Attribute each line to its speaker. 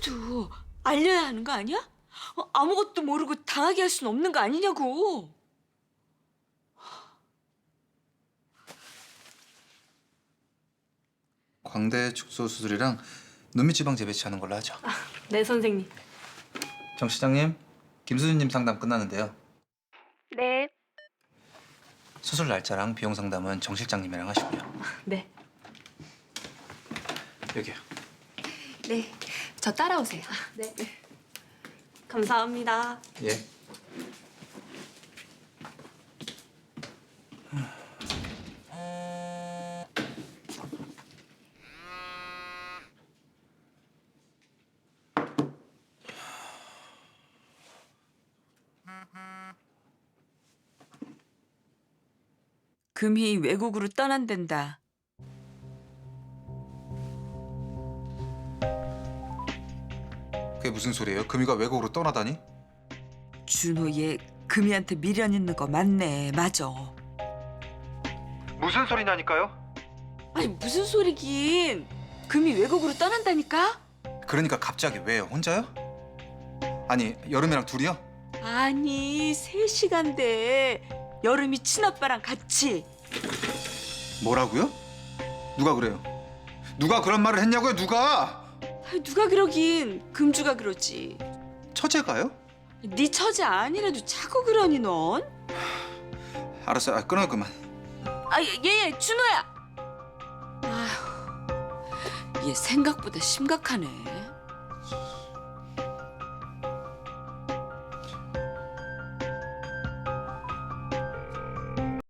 Speaker 1: 그래도 알려야 하는 거 아니야? 아무것도 모르고 당하게 할 수는 없는 거 아니냐고.
Speaker 2: 광대 축소 수술이랑 눈밑 지방 재배치하는 걸로 하죠.
Speaker 1: 네, 선생님.
Speaker 2: 정 시장님, 김수진님 상담 끝났는데요.
Speaker 1: 네.
Speaker 2: 수술 날짜랑 비용 상담은 정 실장님이랑 하시고요.
Speaker 1: 네.
Speaker 2: 여기요.
Speaker 3: 네, 저 따라오세요.
Speaker 1: 네. 감사합니다.
Speaker 2: 예.
Speaker 1: 금희 외국으로 떠난댄다.
Speaker 2: 그게 무슨 소리예요? 금이가 외국으로 떠나다니?
Speaker 1: 준호 얘 금희한테 미련 있는 거 맞네. 맞아.
Speaker 2: 무슨 소리냐니까요?
Speaker 1: 아니 무슨 소리긴. 금희 외국으로 떠난다니까?
Speaker 2: 그러니까 갑자기 왜요? 혼자요? 아니, 여름이랑 둘이요?
Speaker 1: 아니 3시간 돼. 여름이 친아빠랑 같이.
Speaker 2: 뭐라고요? 누가 그래요? 누가 그런 말을 했냐고요? 누가?
Speaker 1: 아니, 누가 그러긴 금주가 그러지.
Speaker 2: 처제가요?
Speaker 1: 네 처제 아니라도 자꾸 그러니 넌?
Speaker 2: 알았어요. 끊어요 그만.
Speaker 1: 얘 준호야. 아휴 얘 생각보다 심각하네.